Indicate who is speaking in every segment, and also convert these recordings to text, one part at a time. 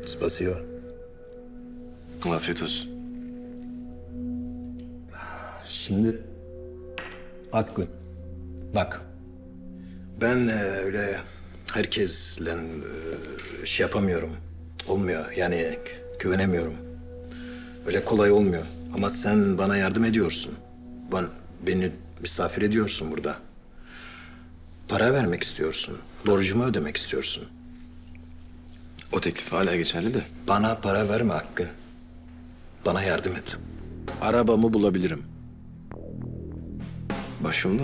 Speaker 1: Spasibo.
Speaker 2: Afiyet olsun.
Speaker 1: Şimdi Akgün, bak. Ben öyle herkesle şey yapamıyorum. Olmuyor yani güvenemiyorum. Öyle kolay olmuyor. Ama sen bana yardım ediyorsun. Beni misafir ediyorsun burada. Para vermek istiyorsun. Borcumu ödemek istiyorsun.
Speaker 2: O teklif hala geçerli de.
Speaker 1: Bana para verme Akgün. Bana yardım et. Arabamı bulabilirim.
Speaker 2: Başımda.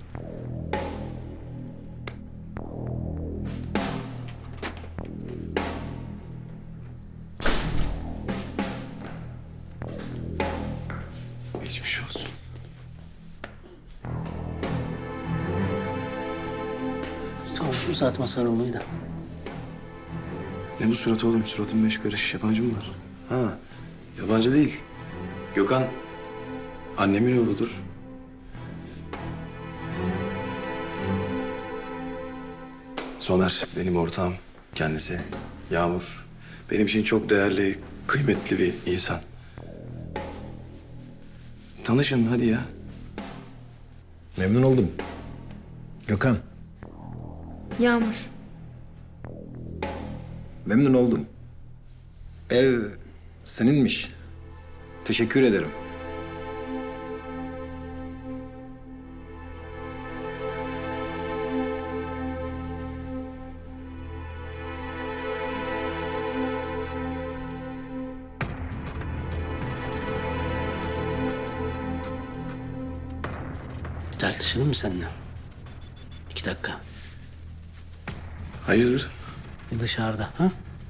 Speaker 2: Geçmiş olsun.
Speaker 3: Tamam, uzatma sarılmayı da.
Speaker 2: Ne bu surat oğlum? Suratın beş karış. Yabancı mı var? Ha, yabancı değil. Gökhan annemin oğludur. Somer benim ortağım kendisi. Yağmur benim için çok değerli, kıymetli bir insan. Tanışın hadi ya.
Speaker 1: Memnun oldum. Gökhan,
Speaker 4: Yağmur.
Speaker 1: memnun oldum. Ev seninmiş. Teşekkür ederim.
Speaker 3: Bir tartışalım mı seninle? 2 dakika.
Speaker 2: Hayırdır?
Speaker 3: Bir dışarıda, ha?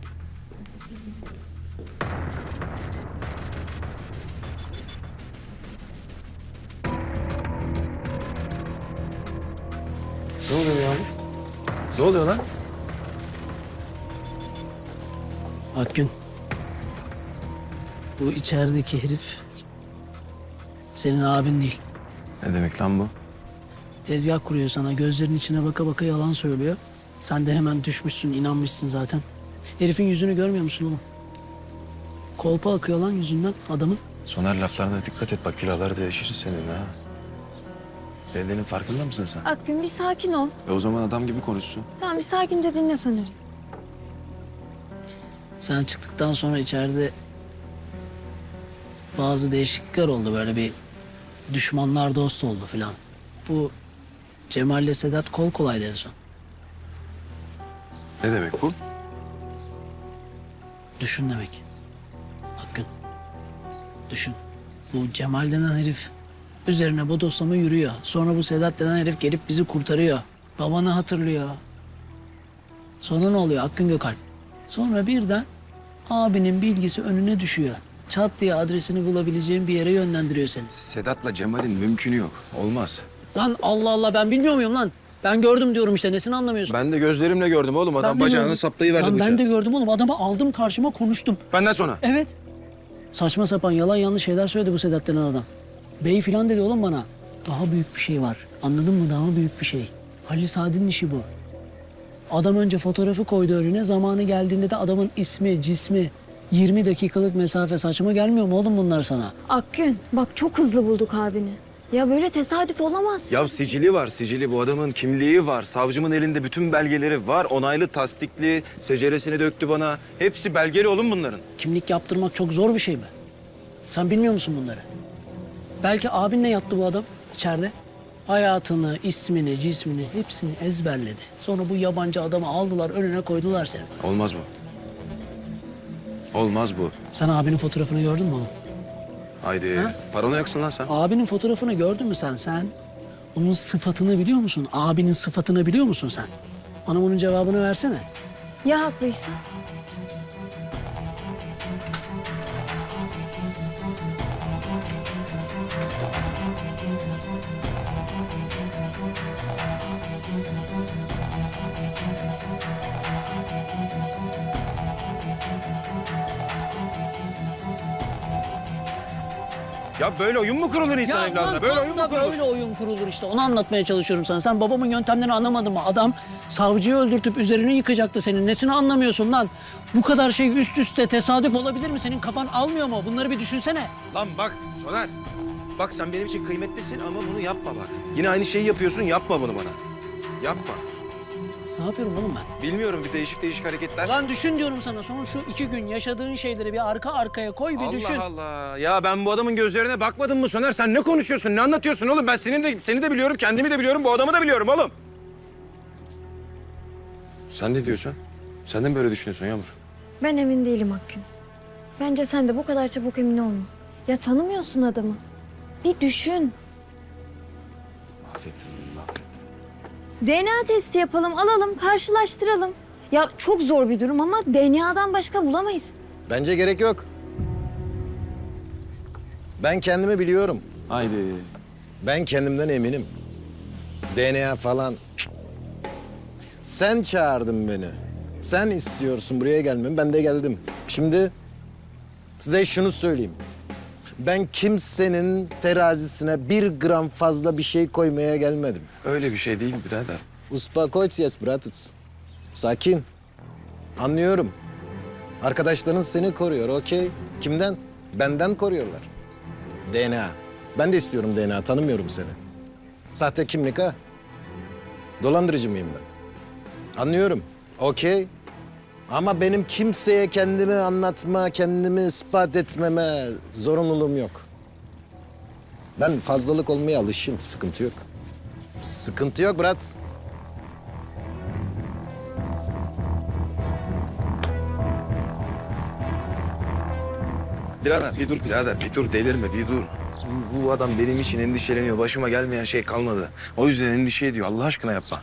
Speaker 2: Ne oluyor Yağmur? Ne oluyor lan?
Speaker 3: Akgün. Bu içerideki herif senin abin değil.
Speaker 2: Ne demek lan bu?
Speaker 3: Tezgah kuruyor sana. Gözlerinin içine baka baka yalan söylüyor. Sen de hemen düşmüşsün, inanmışsın zaten. Herifin yüzünü görmüyor musun oğlum? Kolpa akıyor lan yüzünden adamın.
Speaker 2: Soner laflarına dikkat et bak külahları değişiriz senin ha. Dediğinin farkında mısın sen?
Speaker 4: Akgün bir sakin ol.
Speaker 2: O zaman adam gibi konuşsun.
Speaker 4: Tamam bir sakince dinle Soner'i.
Speaker 3: Sen çıktıktan sonra içeride bazı değişiklikler oldu. Böyle bir düşmanlar dost oldu filan. Bu Cemal'le Sedat kol kolaydı en son.
Speaker 2: Ne demek bu?
Speaker 3: Düşün demek. Akgün. Düşün. Bu Cemal denen herif üzerine bodoslama yürüyor. Sonra bu Sedat denen herif gelip bizi kurtarıyor. Babanı hatırlıyor. Sonra ne oluyor Akgün Gökalp? Sonra birden abinin bilgisi önüne düşüyor. Çat diye adresini bulabileceğin bir yere yönlendiriyor seni.
Speaker 2: Sedat'la Cemal'in mümkünü yok. Olmaz.
Speaker 3: Lan Allah Allah ben bilmiyor muyum lan? Ben gördüm diyorum işte nesini anlamıyorsun?
Speaker 2: Ben de gözlerimle gördüm oğlum. Adam
Speaker 3: Ben de
Speaker 2: bacağını
Speaker 3: gördüm.
Speaker 2: saplayıverdi
Speaker 3: Lan
Speaker 2: bıçağı.
Speaker 3: ben de gördüm oğlum. Adamı aldım karşıma konuştum.
Speaker 2: Benden sonra.
Speaker 3: Evet. Saçma sapan yalan yanlış şeyler söyledi bu Sedat denen adam. Bey filan dedi oğlum bana. Daha büyük bir şey var. Anladın mı? Daha büyük bir şey. Halil Saad'in işi bu. Adam önce fotoğrafı koydu önüne. Zamanı geldiğinde de adamın ismi, cismi, 20 dakikalık mesafe saçma gelmiyor mu oğlum bunlar sana?
Speaker 4: Akgün bak çok hızlı bulduk abini. Ya böyle tesadüf olamaz.
Speaker 2: Ya sicili var, sicili. Bu adamın kimliği var. Savcımın elinde bütün belgeleri var. Onaylı, tasdikli. Seceresini döktü bana. Hepsi belgeli oğlum bunların.
Speaker 3: Kimlik yaptırmak çok zor bir şey mi? Sen bilmiyor musun bunları? Belki abinle yattı bu adam içeride. Hayatını, ismini, cismini hepsini ezberledi. Sonra bu yabancı adamı aldılar önüne koydular seni.
Speaker 2: Olmaz bu. Olmaz bu.
Speaker 3: Sen abinin fotoğrafını gördün mü oğlum?
Speaker 2: Haydi. Paranoyaksın lan sen.
Speaker 3: Abinin fotoğrafını gördün mü sen? Onun sıfatını biliyor musun? Abinin sıfatını biliyor musun sen? Bana bunun cevabını versene.
Speaker 4: Ya haklıysa?
Speaker 2: Ya böyle oyun mu kurulur insan evladına? Böyle oyun mu kurulur?
Speaker 3: Böyle oyun kurulur işte. Onu anlatmaya çalışıyorum sana. Sen babamın yöntemlerini anlamadın mı? Adam Savcıyı öldürtüp üzerine yıkacaktı senin. Nesini anlamıyorsun lan? Bu kadar şey üst üste tesadüf olabilir mi? Senin kafan almıyor mu? Bunları bir düşünsene.
Speaker 2: Lan bak Soner. Bak sen benim için kıymetlisin ama bunu yapma bak. Yine aynı şeyi yapıyorsun, yapma bunu bana. Yapma.
Speaker 3: Ne yapıyorum oğlum ben?
Speaker 2: Bilmiyorum, bir değişik hareketler.
Speaker 3: Lan düşün diyorum sana. Son şu 2 gün yaşadığın şeyleri bir arka arkaya koy bir düşün.
Speaker 2: Allah Allah. Ya ben bu adamın gözlerine bakmadım mı Soner? Sen ne konuşuyorsun, ne anlatıyorsun oğlum? Ben seni de biliyorum, kendimi de biliyorum, bu adamı da biliyorum oğlum. Sen ne diyorsun? Sen de mi böyle düşünüyorsun Yağmur?
Speaker 4: Ben emin değilim Akgün. Bence sen de bu kadar çabuk emin olma. Ya tanımıyorsun adamı. Bir düşün.
Speaker 2: Mahvettin beni, mahvettin.
Speaker 4: DNA testi yapalım, alalım, karşılaştıralım. Ya çok zor bir durum ama DNA'dan başka bulamayız.
Speaker 1: Bence gerek yok. Ben kendimi biliyorum.
Speaker 2: Haydi.
Speaker 1: Ben kendimden eminim. DNA falan. Sen çağırdın beni. Sen istiyorsun buraya gelmemi. Ben de geldim. Şimdi size şunu söyleyeyim. Ben kimsenin terazisine 1 gram fazla bir şey koymaya gelmedim.
Speaker 2: Öyle bir şey değil birader.
Speaker 1: Uspokojsiz bratец. Sakin. Anlıyorum. Arkadaşların seni koruyor, okey. Kimden? Benden koruyorlar. DNA. Ben de istiyorum DNA, tanımıyorum seni. Sahte kimlik ha? Dolandırıcı mıyım ben? Anlıyorum, okey. Ama benim kimseye kendimi anlatma, kendimi ispat etmeme zorunluluğum yok. Ben fazlalık olmaya alışığım, sıkıntı yok. Sıkıntı yok brat.
Speaker 2: Birader bir dur birader, bir dur delirme, bir dur. Bu adam benim için endişeleniyor. Başıma gelmeyen şey kalmadı. O yüzden endişe ediyor. Allah aşkına yapma.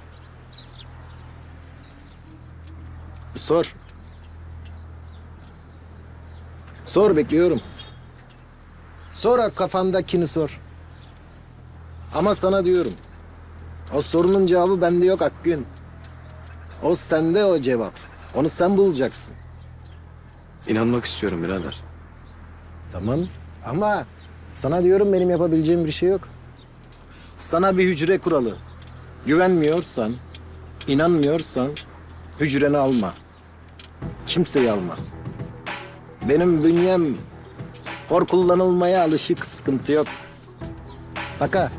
Speaker 1: Sor. Sor, bekliyorum. Sor, kafandakini sor. Ama sana diyorum. O sorunun cevabı bende yok Akgün. O sende o cevap. Onu sen bulacaksın.
Speaker 2: İnanmak istiyorum birader.
Speaker 1: Tamam ama sana diyorum benim yapabileceğim bir şey yok. Sana bir hücre kuralı. Güvenmiyorsan, inanmıyorsan hücreni alma. Kimseyi alma. Benim bünyem hor kullanılmaya alışık, sıkıntı yok. Bak ha.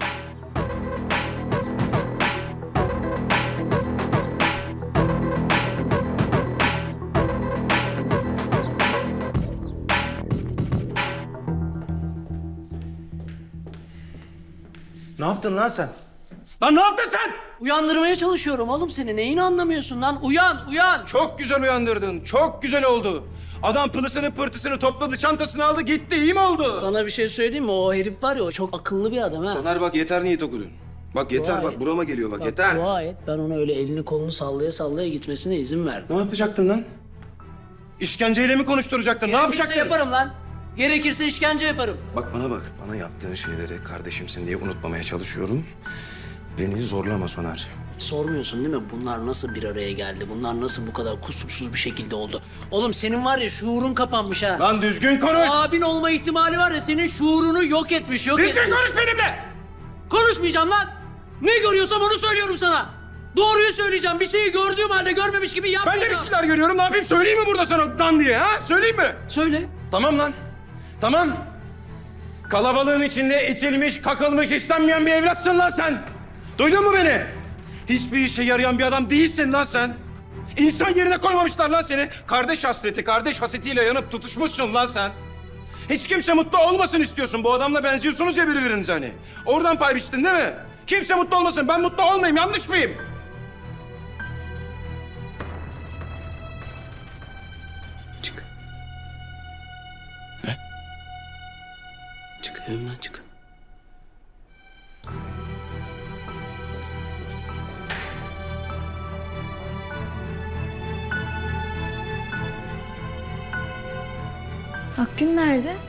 Speaker 2: Ne yaptın lan sen? Lan ne yaptın sen?
Speaker 3: Uyandırmaya çalışıyorum oğlum seni. Neyini anlamıyorsun lan? Uyan, uyan.
Speaker 2: Çok güzel uyandırdın. Çok güzel oldu. Adam pılısını pırtısını topladı, çantasını aldı, gitti. İyi mi oldu?
Speaker 3: Sana bir şey söyleyeyim mi? O herif var ya, o çok akıllı bir adam ha.
Speaker 2: Soner bak yeter niyet okudun. Bak yeter
Speaker 3: Dua
Speaker 2: bak
Speaker 3: et.
Speaker 2: burama geliyor bak
Speaker 3: Bak,
Speaker 2: yeter.
Speaker 3: dua et. Ben ona öyle elini kolunu sallaya sallaya gitmesine izin verdim.
Speaker 2: Ne yapacaktın lan? İşkenceyle mi konuşturacaktın? Ne
Speaker 3: Gerekirse
Speaker 2: yapacaktın?
Speaker 3: yaparım lan. Gerekirse işkence yaparım.
Speaker 2: Bak bana bak. Bana yaptığın şeyleri kardeşimsin diye unutmamaya çalışıyorum. Beni zorlama Soner.
Speaker 3: Sormuyorsun değil mi? Bunlar nasıl bir araya geldi? Bunlar nasıl bu kadar kusursuz bir şekilde oldu? Oğlum senin var ya şuurun kapanmış ha.
Speaker 2: Lan düzgün konuş.
Speaker 3: Abin olma ihtimali var ya, senin şuurunu yok etmiş, yok
Speaker 2: Düzgün
Speaker 3: etmiş.
Speaker 2: konuş benimle.
Speaker 3: Konuşmayacağım lan. Ne görüyorsam onu söylüyorum sana. Doğruyu söyleyeceğim. Bir şeyi gördüğüm halde görmemiş gibi
Speaker 2: Ben
Speaker 3: yapmayacağım.
Speaker 2: de bir şeyler görüyorum. Ne yapayım? Söyleyeyim mi burada sana dan diye ha? Söyleyeyim mi?
Speaker 3: Söyle.
Speaker 2: Tamam lan. Tamam. Kalabalığın içinde itilmiş, kakılmış, istenmeyen bir evlatsın lan sen. Duydun mu beni? Hiçbir işe yarayan bir adam değilsin lan sen. İnsan yerine koymamışlar lan seni. Kardeş hasreti, kardeş hasetiyle yanıp tutuşmuşsun lan sen. Hiç kimse mutlu olmasın istiyorsun. Bu adamla benziyorsunuz ya birbirinize hani. Oradan pay biçtin değil mi? Kimse mutlu olmasın. Ben mutlu olmayayım. Yanlış mıyım? Çık. Ne?
Speaker 3: Çık evimden çık.
Speaker 4: Akgün nerede?